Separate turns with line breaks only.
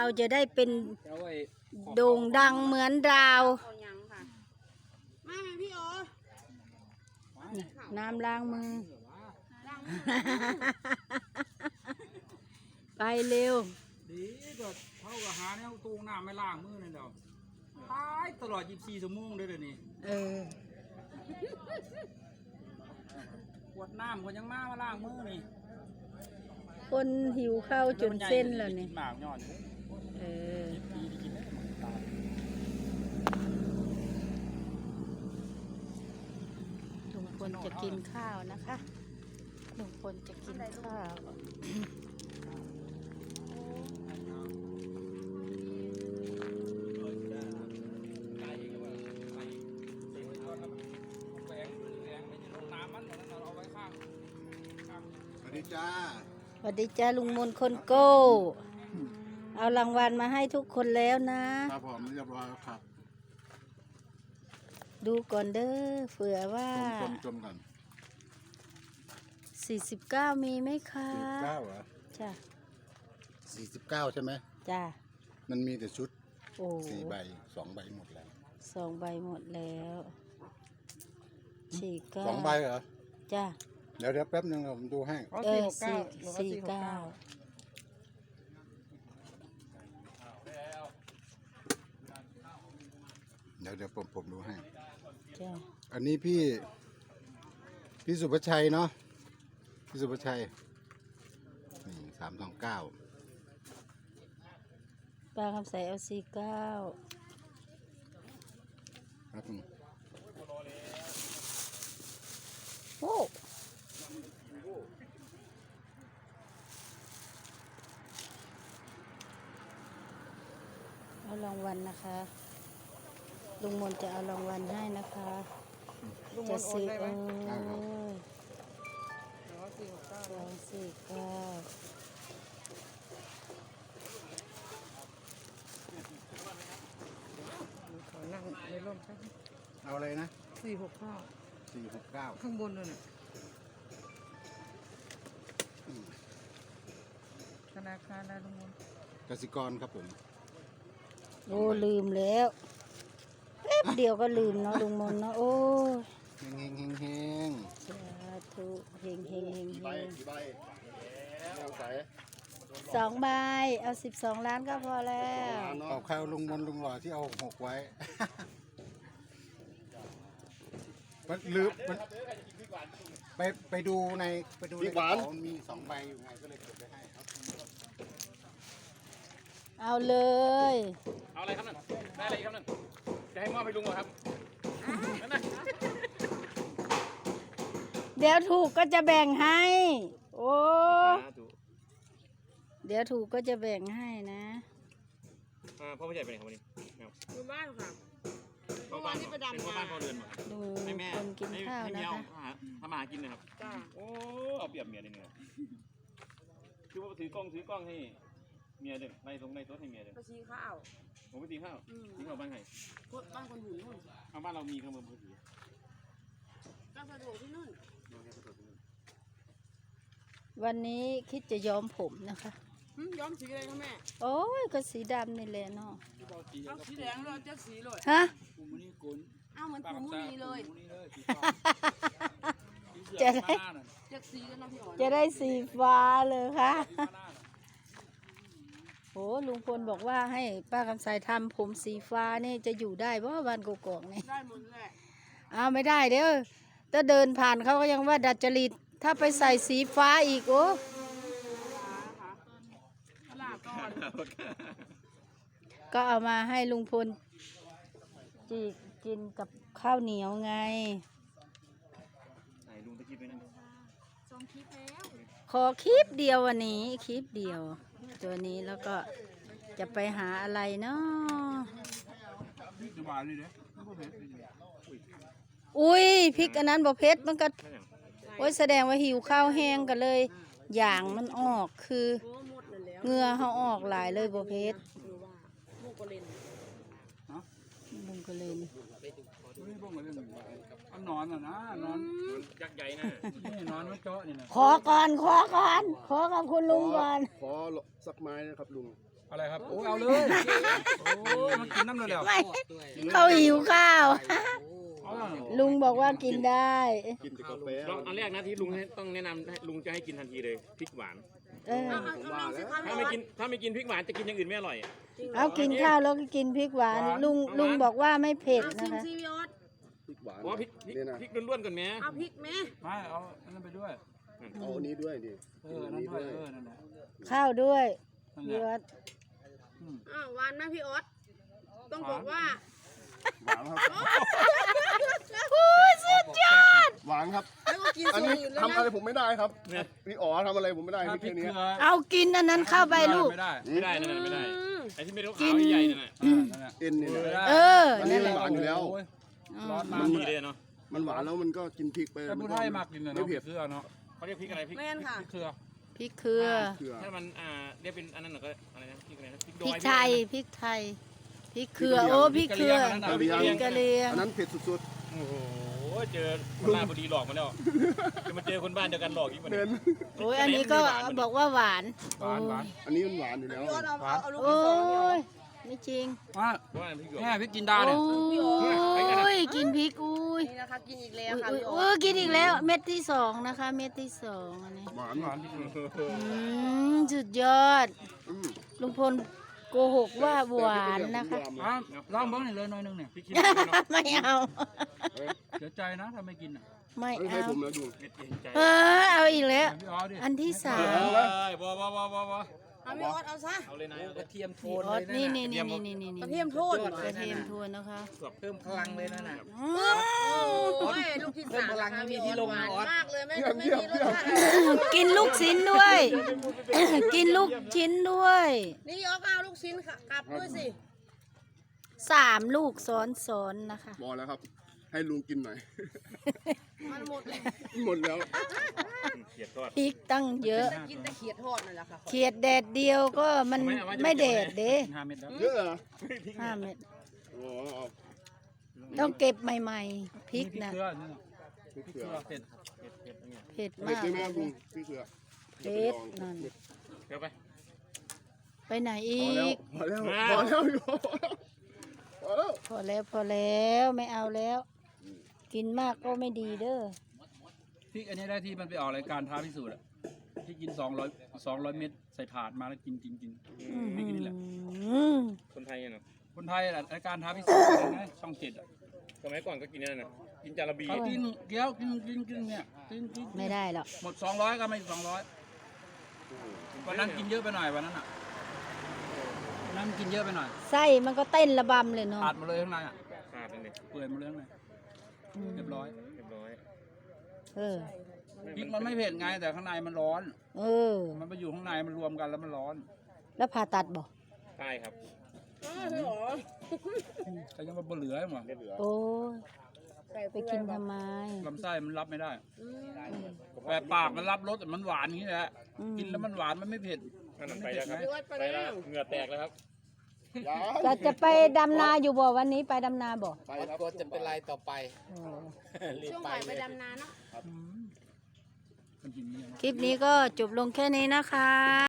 เราจะได้เป็น
เอาไว้
โด่งดังเหมือนดาว
เอายังค่ะมาไหมพี่โอ
น้ำล้างมือ ไปเร็ว
ดีก็เท่ากับหาเนี่ยตู้น้ำไม่ล้างมือเลยเดี๋ยวตายตลอด24 ชั่วโมงเลยเดี๋ยวนี้
เออ
ขวดน้ำก็ยังมาล้างมือนี่
คนหิวข้าวจนเส้นแล้วนี่
หมากย้อน
เออ
ดีกินได้ตาย
ลุงพลจะกินข้าวนะคะลุงพลจะกินข้าว
สวัสดีจ้า
สวัสดีจ้าลุงมนคนโก้ เอารางวัลมาให้ทุกคนแล้วนะ
ครับผมเรียบร้อยแล้วครับ
ดูก่อนเด้อเผื่อว่า
จมกัน
49มีไหมคะ
49เหรอ
จ้ะ
49ใช่ไหม
จ้ะ
มันมีแต่ชุด
โอ้
4 ใบ 2 ใบหมดแล้ว
2 ใบหมดแล้ว49
2 ใบเหรอ
จ้ะ
เดี๋ยวแป๊บนึงผมดูให้
เออ49
เดี๋ยวผมดูให้
จ้ะ
อันนี้พี่สุภชัยเนาะ พี่สุภชัย นี่329
ปลาคำใสเอา49
ครับผม
โอ้เอารางวัลนะคะ ลุงมนจะเอารางวัลให้นะคะ จะซื้อ
ได้ครับ
ขอนั่งในร่มสัก
เอาอะไรนะ
469
469
ข้างบนเลยน่ะธนาคารอะไรลุงมน
กสิกรครับผม
โอ้ลืมแล้วแป๊บเดียวก็ลืมเนาะลุงมนเนาะโอ้ย
เฮง
สาธุเฮงเฮงเฮง
กี่
เฮ
ใบ
ง
กี่ใบเอาใส่
2 ใบเอา12 ล้านก็พอแล้ว
เอาข้าวลุงมนลุงหล่อที่เอา6ไว้ มันลืมมันไปดูในกระเป๋ามันมี2 ใบอยู่ไงก็เลยเก็บไปให้ครับ
เอาเลย
เอาอะไรครับนั่นได้อะไรครับนั่นจะให้มอบให้ลุงเหรอครับนั่นน่ะ
เดี๋ยวถูกก็จะแบ่งให้ โอ้เดี๋ยวถูกก็จะแบ่งให้นะ
พ่อผู้ใหญ่ไปไหนครับวันนี้
อยู่บ้านค่ะ
เมื่อวานนี้ไปดำนาบ้านพ่อเรือนหมดครับ
ดู
ให้แม่
คนกินข้าว
ให้
นะ
เมีย
คะ
ทำมาหากินนะครับ
จ้า
โอ้เอาเปรียบเมียเลยเนี่ยคือว่าถือกล้องให้เมียเด้อในตรงในโต๊ะให้เมียเด้อ
ไปชี้ข้าว
ผมไปตีข้าวตีข้าวบ้านใคร
บ้านคนหุ่นนู่น
เอาบ้านเรามีเครื่องมือมือถือ
ก็สะดวกที่นู่น
วันนี้คิดจะย้อมผมนะคะ
ย้อมสีอะไรคะแม่
โอ้ยก็สีดำนี่แหละเนาะ
เอาสีแดงเราจะสีเลย
ฮะ
กูมันนี่กุน
เอาเหมือนปูมุนีเลย
จะได้
จะสีกันนะพี่อ๋อ
จะได้สีฟ้าเลยค่ะโอ้ลุงพลบอกว่าให้ป้าคำใสทำผมสีฟ้านี่จะอยู่ได้เพราะว่าบ้านกกอกนี่
ได้หมดแหละ
เอาไม่ได้เด้อถ้าเดินผ่านเขาก็ยังว่าดัดจริตถ้าไปใส่สีฟ้าอีกโอ้
นะคะลาก่อน
ก็เอามาให้ลุงพลจีกินกับข้าวเหนียวไง
ไหนลุงตะกี้ไปนั่น
ส่งคลิปแล้ว
ขอคลิปเดียววันนี้คลิปเดียว ตัวนี้แล้วก็จะไปหาอะไรเนาะ
สบายเลยเด้อไม่เผ็ดเลย
อุ้ยพริกอันนั้นบ่เผ็ดมันก็โอ้ยแสดงว่าหิวข้าวแห้งกันเลย อย่างมันออกคือ
โอ้หมดเลยแล้ว
เหงื่อเขาออกหลายเลยบ่เผ็ด
หรือว่าลูกก็เล่น
บุงก็เลย
ไม่บ้งเลยอันนอนอ่ะนะนอนยักษ์ใหญ่นะนี่นอนมันเจาะนี่นะ
ขอก่อนขอกับคุณลุงก่อน
ขอสักไม้นะครับลุง
ไป
อะไรครับโอ้เอาเลยโอ้มันกินน้ำเร็ว
ไม่เขาหิวข้าว
ๆเอา
ลุงบอกว่ากินได้
กินแต่กาแฟ
ลองอันแรกนะที่ลุงให้ต้องแนะนำให้ลุงจะให้กินทันทีเลยพริกหวาน
เออ
ผมว่าแล้ว
ถ้าไม่กินพริกหวานจะกินอย่างอื่นไม่อร่อย
เอากินข้าวแล้วก็กินพริกหวาน ลุงบอกว่าไม่เผ็ด
เอา
นะ
ชิม
คะ
ซีวิออส
พริกหวาน
เพราะว่าพริก
นี่นะ
พริกล้วนๆก่อนแม่
เอาพริกไหม
ไม่เอาอันนั้นไปด้วย
เอาอันนี้ด้วยดิ
อันนั้นด้วยนั่นแหละ
ข้าวด้วย
นั่นแห
พี่
ละ
วัด
อ้าวหวานนะพี่ออสต้องบอกว่า
หวานครับ
สุดยอด
หวานครับ
แล้วก็กิน
อัน
ส่วน
นี้
อื่นแล้ว
ทำ
นะ
อะไรผมไม่ได้ครับ
เนี่ย
พี่อ๋อทำอะไรผมไม่ได้
ถ้า
พี่
พริ
แค่
ก
นี้
เกลือ
เอากินอันนั้นเข้าไปลูก
ไม่ได้
ไม่ได้นั่นไม่ได้
อืม
ไอ้ที่ไม่รู้ขาวใหญ่ๆนั่นน่ะ
นั่นแหละ
เอ็นนี่นะ
เออ
อันนี้
นั่นแห
มัน
ละ
หวานอยู่แล้ว
โอ้ยร้อน
มั
มาน ก
ดีเลยเนาะ
มันหวานแล้วมันก็กินพริกไป
แต่ผู้ไทยมากกินนะ
ไม่
เนาะพริ
เผ็
ก
ด
เกลือเนาะ
เขาเรียกพริกอะไรพริก
แม่นค่ะ
พริกเกลือ
พริกเครือ
เกลือ
ถ้ามันเรียกเป็นอันนั้นหน่อยก็อะไรนะพริกอะไรนะพริกด
พริ
อก ย
ไทยพริกไทยพริกเครือโอ้พริกเครือพริกกะเหรี่ยง
อันนั้นเผ็ดสุด
โอ้โหเจอคนบ้านพอดีหลอกมาแล้วจะมาเจอคนบ้านเดียวกันหลอกอีก
ๆ
วัน
เน้
นี้
น
โอ้ยอันนี้ก็บอกว่าหวาน
หวานหวาน
อันนี้มันหวานอยู่แล้ว
พี่ออสเอาลูก
โอ้
ที่สองนี่ออก
ยไม่จริง
ว่า
เพราะว่าพริกหยวก
แม่พริกจินดา
โอ้
เนี่ย
ยกินพริกอุ้ย
นี่นะคะกินอีกแล้ว
อุ้ย
ค่ะ
อุ้ย
พี่ออส
กินอีกแล้วเม็ดที่สองนะคะ เม็ดที่สองอันนี้
หวาน
หวานพริกเกลือ
สุดยอด
อืม
ลุงพลโกหกว่าหวานนะคะ
อ่ะลองเบิ้งหน่อยเลยหน่อยนึงเนี่ย
พริกขี้หนูเนาะ
ไม่เอา
เสียใจนะถ้าไม่กินอ่ะ
ไม่
ไม่
เอา
ให้ผมแล้วดู
เม็ดเย็นใจ
เอาอีกแล้ว
พี่อ๋อดิ
อันที่สาม
บ่
เอาพี่ออสเอาซะ
เอาเลยนะ
กระเทียมโท
พี่
น
ออ
เล
ส
ย
นี่
นะ
นี่นี่นี่นี่
กระเทียมโทษ
กระเทียมทวนนะคะ
เพิ่มพลังเลยนั่นน่ะ
โอ้ยลูกที่สาม
เพิ่มพลัง
นะคะ
มี
พี่
ที่
ออส
ลง
หวาน
ออส
มากเลยไม่
เยี่ยม
ไม่
เยี่ยม
มีรส
เยี่ยม
ชาติอะไร
กินลูกชิ้นด้วย กินลูกชิ้นด้วย
นี่พี่ออสก็เอาลูกชิ้นค่ะกลับด้วยสิ
3 ลูกซ้อนๆนะคะ
บอกแล้วครับ ให้ลุงกินหน่อย
มันหมดเลย
หมดแล้ว
เขียดทอด
พริกตั้งเยอะ
กินแต่เขียดทอดนั่นแหละค่ะ
เขียดแดดเดียวก็มันไม่แดดเด้
5 เม็ดแล้ว
เยอะเหรอ
5 เม็ด
โอ้เอา
ต้องเก็บใหม่ๆ พริก
พริก
นะ
เกลือนี่น่ะ
พริก
พริก
เกลื
เก
อ
ลือเผ็ด
เผ็ด
เผ็ด
มาก
ใช่ไหมครับลุงพริกเกลือ
เผ็ดนั่น
เดี๋ยวไป
ไปไหนอี
พอแล้ว
ก
พอแล้วอยู่พอแล้ว
พอแล้วไม่เอาแล้ว กินมากก็ไม่ดีเด้อ
พริกอันนี้ได้ที่มันไปออกรายการท้าพิสูจน์อะที่กิน200 เม็ดใส่ถาดมาแล้วกินพริกอันนี้แหละ
คนไทยเนาะ
คนไทยแหละรายการท้าพิสูจน์อะไรนะช่อง7อ่ะ
สมัยก่อนก็กินนั่นน่ะกินจาระบี
เขากินเกี๊ยวกินเนี่ยกิน
ไม่ได้หรอก
หมด200ก็ไม่200วันนั้นกินเยอะไปหน่อยวันนั้นอ่ะวันนั้นกินเยอะไปหน่อย
ไส้มันก็เต้นระบำเลยเนาะ
ขาดหมาเลยข้างในอ่ะ
ขาดเลย
เปื่อยหมาเลยข้างในเรียบร้อย
เรียบร้อย
เออ
พริกมันไม่เผ็ดไงแต่ข้างในมันร้อน
เออ
มันไปอยู่ข้างในมันรวมกันแล้วมันร้อน
แล้วผ่าตัดบ่
ใช่ครับ
พี่ออส
แต่ยังมาเหลือหมด
ไม่เหลือ
โอ้ยไปกินทำไม
ลำไส้มันรับไม่ได้แต่ปากมันรับรสแต่มันหวานอย่างนี้แหละ กินแล้วมันหวานมันไม่เผ็ด
อันนั้นไปแล้วครับไปแล้วเหงื่อแตกแล้วครับ
ก็จะไปดำนาอยู่บ่วันนี้ไปดำนาบ่
ไปครับ
ก็จะเป็นไรต่อไป
โอ้
รีบ
ช่วง
ไป
บ่าย
เล
ไป
ย
ดำนาเนาะ
มันกินอย่างนี้
คลิปนี้ก็จบลงแค่นี้นะคะ